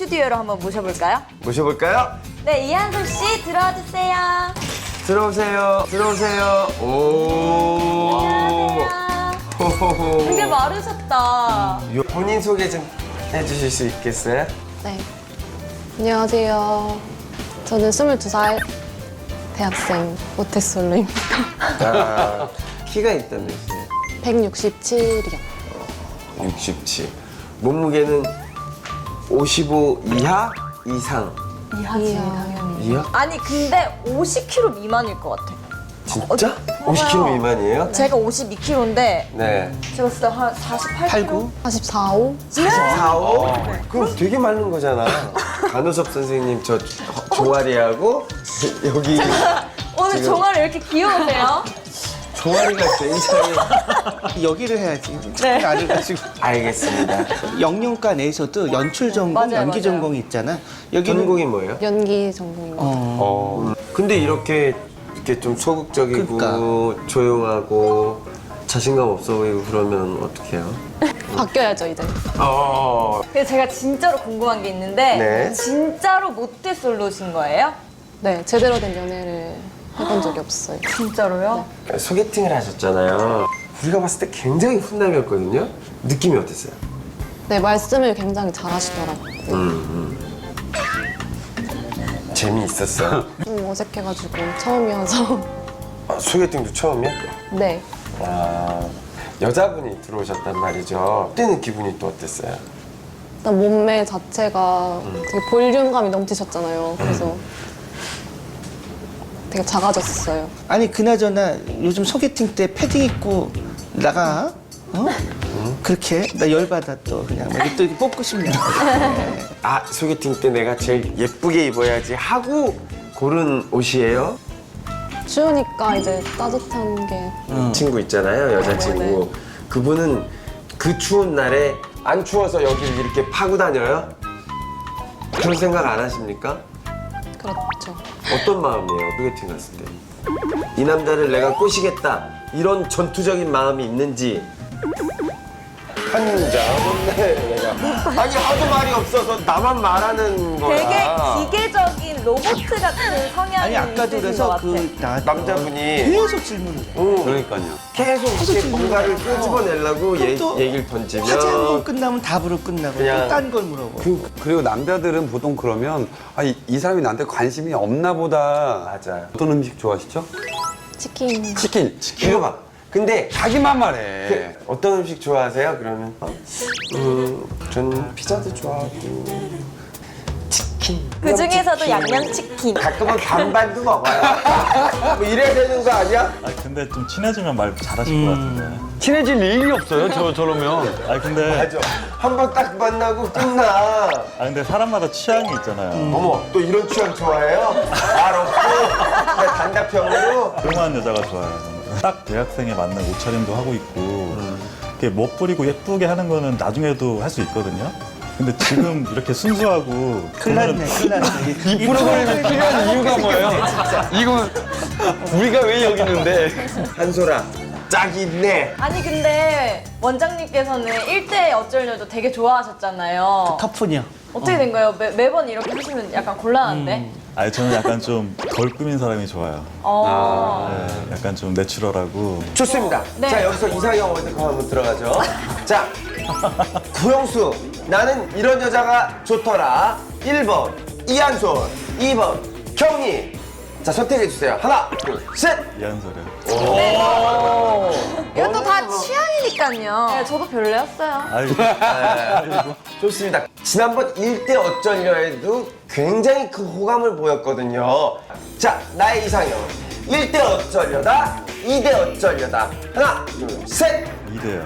스튜디오로 한번 모셔볼까요? 모셔볼까요? 네, 이한솔 씨 들어와 주세요. 들어오세요. 들어오세요. 오. 안녕하세요. 호호호. 되게 마르셨다. 본인 소개 좀 해주실 수 있겠어요? 네. 안녕하세요. 저는 22살 대학생 모태솔로입니다. 아, 키가 일단 몇이에요? 167이요. 67. 몸무게는 55 이하? 이상? 이하지, 당연히. 이하? 아니, 근데 50kg 미만일 것 같아. 진짜? 50kg 미만이에요? 제가 52kg인데 네. 제가 진짜 한 48kg? 89? 44, 5? 44, 5? 그럼 되게 많은 거잖아. 간호섭 선생님 저 종아리하고 여기 오늘 지금- 종아리 왜 이렇게 귀여우세요? 종아리가 굉장히 여기를 해야지. 네. 안 해가지고. 알겠습니다. 영영과 내에서도 연출 전공, 맞아요, 연기 맞아요. 전공이 있잖아. 여기는 전공이 뭐예요? 연기 전공입니다. 근데 이렇게 좀 소극적이고 그러니까. 조용하고 자신감 없어 보이고 그러면 어떡해요? 바뀌어야죠, 이제. 근데 제가 진짜로 궁금한 게 있는데 네. 진짜로 모태솔로신 거예요? 네, 제대로 된 연애를 해본 적이 없어요. 진짜로요? 소개팅을 하셨잖아요. 우리가 봤을 때 굉장히 훈남이었거든요. 느낌이 어땠어요? 네, 말씀을 굉장히 잘하시더라고요. 재미있었어요? 좀 어색해가지고 처음이어서. 소개팅도 처음이야? 네. 아, 여자분이 들어오셨단 말이죠. 그때는 기분이 또 어땠어요? 일단 몸매 자체가 되게 볼륨감이 넘치셨잖아요. 그래서 되게 작아졌어요. 아니 그나저나 요즘 소개팅 때 패딩 입고 나가? 어? 그렇게? 나 열받아 또 그냥 막 이렇게 또 이렇게 뽑고 싶네. 아, 소개팅 때 내가 제일 예쁘게 입어야지 하고 고른 옷이에요? 추우니까 이제 따뜻한 게 친구 있잖아요, 여자친구. 네. 그분은 그 추운 날에 안 추워서 여기를 이렇게 파고 다녀요? 그런 생각 안 하십니까? 그렇죠. 어떤 마음이에요, 소개팅 갔을 때? 이 남자를 내가 꼬시겠다, 이런 전투적인 마음이 있는지. 한 자 없네, 내가. 아니, 하도 말이 없어서 나만 말하는 거야. 되게 기계적인 로봇 같은 성향이 아니 아까도 있으신 그래서 것 같아. 남자분이 계속 질문을 해. 그러니까요. 계속 이렇게 뭔가를 끄집어내려고 또 얘기를 화제 한 번 던지면 끝나면 답으로 끝나고 그냥- 또 딴 걸 물어보. 그리고 남자들은 보통 그러면 아, 이 사람이 나한테 관심이 없나 보다. 맞아요. 어떤 음식 좋아하시죠? 치킨. 치킨. 이거 봐. 근데 자기만 말해. 어떤 음식 좋아하세요? 그러면 저는 피자도 좋아하고 치킨. 그 중에서도 양념치킨. 가끔은 반반도 먹어요. 뭐 이래야 되는 거 아니야? 아 근데 좀 친해지면 말 잘하실 것 같은데. 친해질 일이 없어요. 저러면. 아 근데 맞아. 한 번 딱 만나고 끝나. 아 근데 사람마다 취향이 있잖아요. 어머, 또 이런 취향 좋아해요? 말 없고 그냥 단답형으로. 조용한 여자가 좋아요. 저는. 딱 대학생에 맞는 옷차림도 하고 있고 이렇게 멋부리고 예쁘게 하는 거는 나중에도 할 수 있거든요. 근데 지금 이렇게 순수하고 큰일 났네, 큰일 났네. 이 프로그램이 필요한 이유가 뭐예요? 이거 우리가 왜 여기 있는데? 한솔아, 짝이 있네. 아니 근데 원장님께서는 1대 어쩔려도 되게 좋아하셨잖아요. 터프냐? 어떻게 된 거예요? 매번 이렇게 하시면 약간 곤란한데? 아니 저는 약간 좀 덜 꾸민 사람이 좋아요. 네, 약간 좀 내추럴하고 좋습니다. 네. 자, 여기서 이상형 월드컵 한번 들어가죠. 자, 구영수, 나는 이런 여자가 좋더라. 1번 이한솔, 2번 경희. 자, 선택해주세요. 하나, 둘, 셋. 이한솔이요. 이것도 다 취향이니까요. 네, 저도 별로였어요. 아이고. 좋습니다. 지난번 1대 어쩔려에도 굉장히 큰 호감을 보였거든요. 자, 나의 이상형. 1대 어쩔려다, 2대 어쩔려다. 하나, 둘, 셋. 이대요.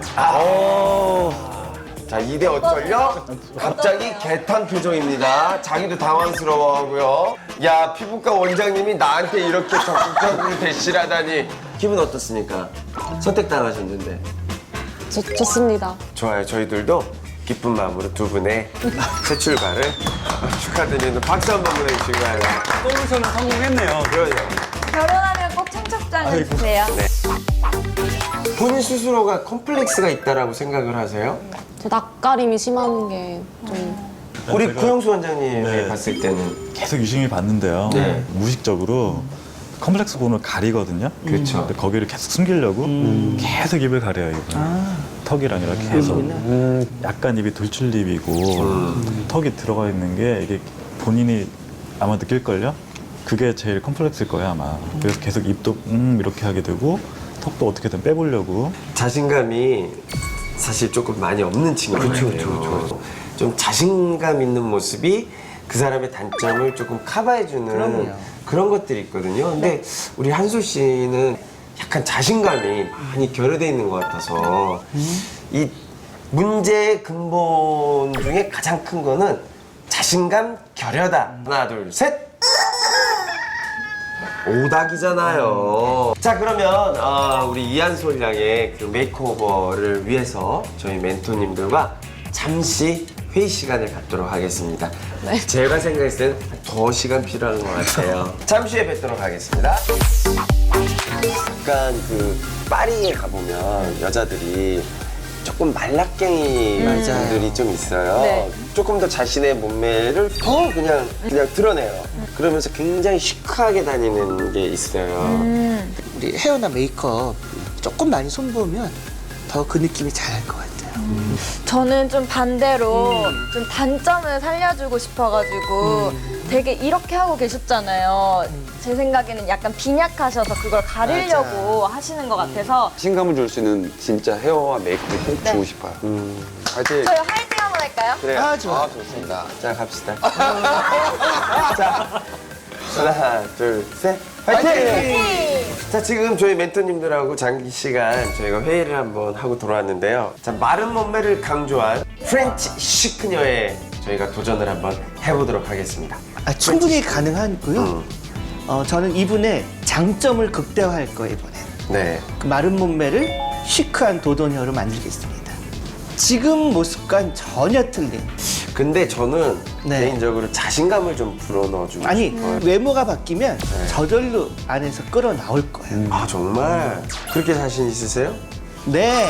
자, 2대 어쩔려? 갑자기 개탄 표정입니다. 자기도 당황스러워하고요. 야, 피부과 원장님이 나한테 이렇게 적극적으로 대시를 하다니. 기분 어떻습니까? 선택당하셨는데. 좋습니다. 좋아요. 저희들도 기쁜 마음으로 두 분의 새 출발을 축하드리는 박수 한번 보내주시기 바랍니다. 솔루션은 성공했네요. 그러죠. 결혼하면 꼭 청첩장을 주세요. 본인 스스로가 컴플렉스가 있다라고 생각을 하세요? 저 낯가림이 심한 게 좀 우리 제가- 구영수 원장님이 네. 봤을 때는 계속 유심히 봤는데요. 네. 무의식적으로 컴플렉스 본을 가리거든요. 그렇죠. 근데 거기를 계속 숨기려고 계속 입을 가려요. 입을. 턱이 아니라 계속. 약간 입이 돌출입이고 턱이 들어가 있는 게 이게 본인이 아마 느낄걸요? 그게 제일 컴플렉스일 거예요 아마. 그래서 계속 입도 이렇게 하게 되고 턱도 어떻게든 빼보려고. 자신감이 사실 조금 많이 없는 친구예요. 그렇죠. 좀 자신감 있는 모습이 그 사람의 단점을 조금 커버해주는 그럼요. 그런 것들이 있거든요. 근데 우리 한솔 씨는 약간 자신감이 많이 결여돼 있는 것 같아서 이 문제의 근본 중에 가장 큰 거는 자신감 결여다. 하나, 둘, 셋. 오닥이잖아요. 자, 그러면 우리 이한솔 양의 그 메이크오버를 위해서 저희 멘토님들과 잠시 회의 시간을 갖도록 하겠습니다. 제가 생각했을 때는 더 시간 필요한 것 같아요. 잠시 후에 뵙도록 하겠습니다. 약간 그 파리에 가보면 여자들이 조금 말라깽이 분들이 좀 있어요. 네. 조금 더 자신의 몸매를 더 그냥 드러내요. 그러면서 굉장히 시크하게 다니는 게 있어요. 우리 헤어나 메이크업 조금 많이 손보면 더 그 느낌이 잘 날 것 같아요. 저는 좀 반대로 좀 단점을 살려주고 싶어가지고 되게 이렇게 하고 계셨잖아요. 제 생각에는 약간 빈약하셔서 그걸 가리려고 하시는 것 같아서 신감을 줄 수 있는 진짜 헤어와 메이크업을 꼭 네. 주고 싶어요. 화이팅! 저희 화이팅 한번 할까요? 그래요. 아, 좋아. 좋습니다. 자, 갑시다. 자, 하나, 둘, 셋. 화이팅! 자, 지금 저희 멘토님들하고 장시간 저희가 회의를 한번 하고 돌아왔는데요. 자, 마른 몸매를 강조한 프렌치 시크녀에 저희가 도전을 한번 해보도록 하겠습니다. 충분히 가능하고요. 저는 이분의 장점을 극대화할 거예요, 이번엔. 네. 그 마른 몸매를 시크한 도도녀로 만들겠습니다. 지금 모습과는 전혀 틀린. 근데 저는 네. 개인적으로 자신감을 좀 불어넣어주고 아니, 싶어요. 외모가 바뀌면 저절로 안에서 끌어나올 거예요. 아, 정말? 그렇게 자신 있으세요? 네.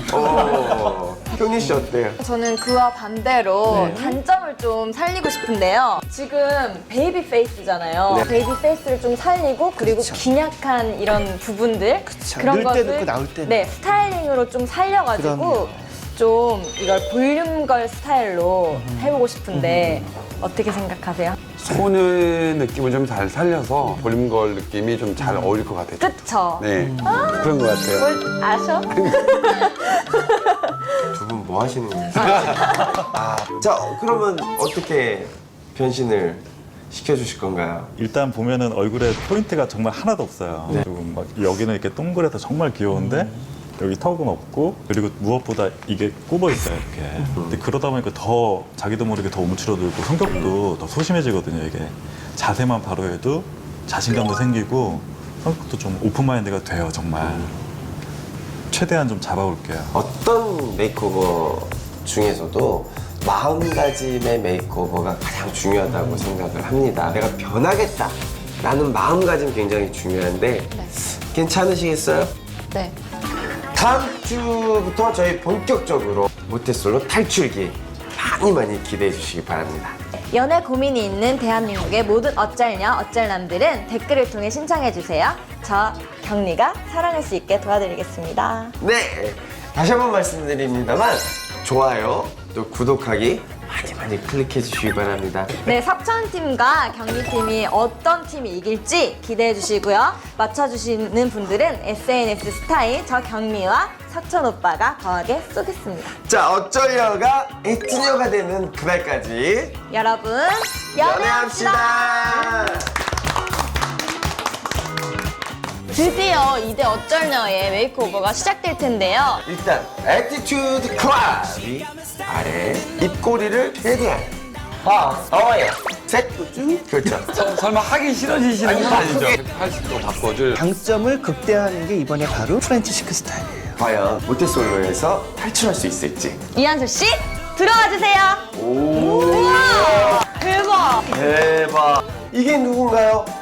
형님 씨 어때요? 저는 그와 반대로 네. 단점을 좀 살리고 싶은데요. 지금 베이비 페이스잖아요. 네. 베이비 페이스를 좀 살리고 그리고 그쵸. 빈약한 이런 부분들 그쵸. 그런 넣을 것을 때는 있고 나올 때는. 네, 스타일링으로 좀 살려가지고 그럼요. 좀 이걸 볼륨걸 스타일로 해보고 싶은데 어떻게 생각하세요? 소녀의 느낌을 좀 잘 살려서 볼륨걸 느낌이 좀 잘 어울릴 것 같아요. 그쵸? 네, 그런 것 같아요. 뭘 아셔? 두 분 뭐 하시는 거예요? 자, 그러면 어떻게 변신을 시켜주실 건가요? 일단 보면은 얼굴에 포인트가 정말 하나도 없어요. 그리고 막 여기는 이렇게 동그래서 정말 귀여운데 여기 턱은 없고 그리고 무엇보다 이게 굽어 있어요 이렇게. 근데 그러다 보니까 더 자기도 모르게 더 움츠러들고 성격도 더 소심해지거든요 이게. 자세만 바로 해도 자신감도 생기고 성격도 좀 오픈마인드가 돼요 정말. 최대한 좀 잡아볼게요. 어떤 메이크오버 중에서도 마음가짐의 메이크오버가 가장 중요하다고 생각을 합니다. 내가 변하겠다 라는 마음가짐 굉장히 중요한데 괜찮으시겠어요? 네. 다음 주부터 저희 본격적으로 모태솔로 탈출기 많이 기대해 주시기 바랍니다. 연애 고민이 있는 대한민국의 모든 어쩔녀, 어쩔남들은 댓글을 통해 신청해주세요. 저 경리가 사랑할 수 있게 도와드리겠습니다. 네, 다시 한번 말씀드립니다만 좋아요, 또 구독하기 많이 클릭해 주시기 바랍니다. 네, 석천팀과 경리팀이 어떤 팀이 이길지 기대해주시고요. 맞춰주시는 분들은 SNS 스타일 저 경미와 석천 오빠가 거하게 쏘겠습니다. 자, 어쩔려가 애티녀가 되는 그날까지 여러분, 연애합시다! 드디어 2대 어쩔녀의 메이크오버가 시작될 텐데요. 일단 애티튜드 클럽이 아래 입꼬리를 최대한 어예요. 셋, 그렇죠. 설마 하기 싫어지시는 건 아니죠? 180도 바꿔줄. 장점을 극대화하는 게 이번에 바로 프렌치 시크 스타일이에요. 과연 모태솔로에서 탈출할 수 있을지. 이한솔 씨, 들어와 주세요. 우와, 대박. 대박. 이게 누군가요?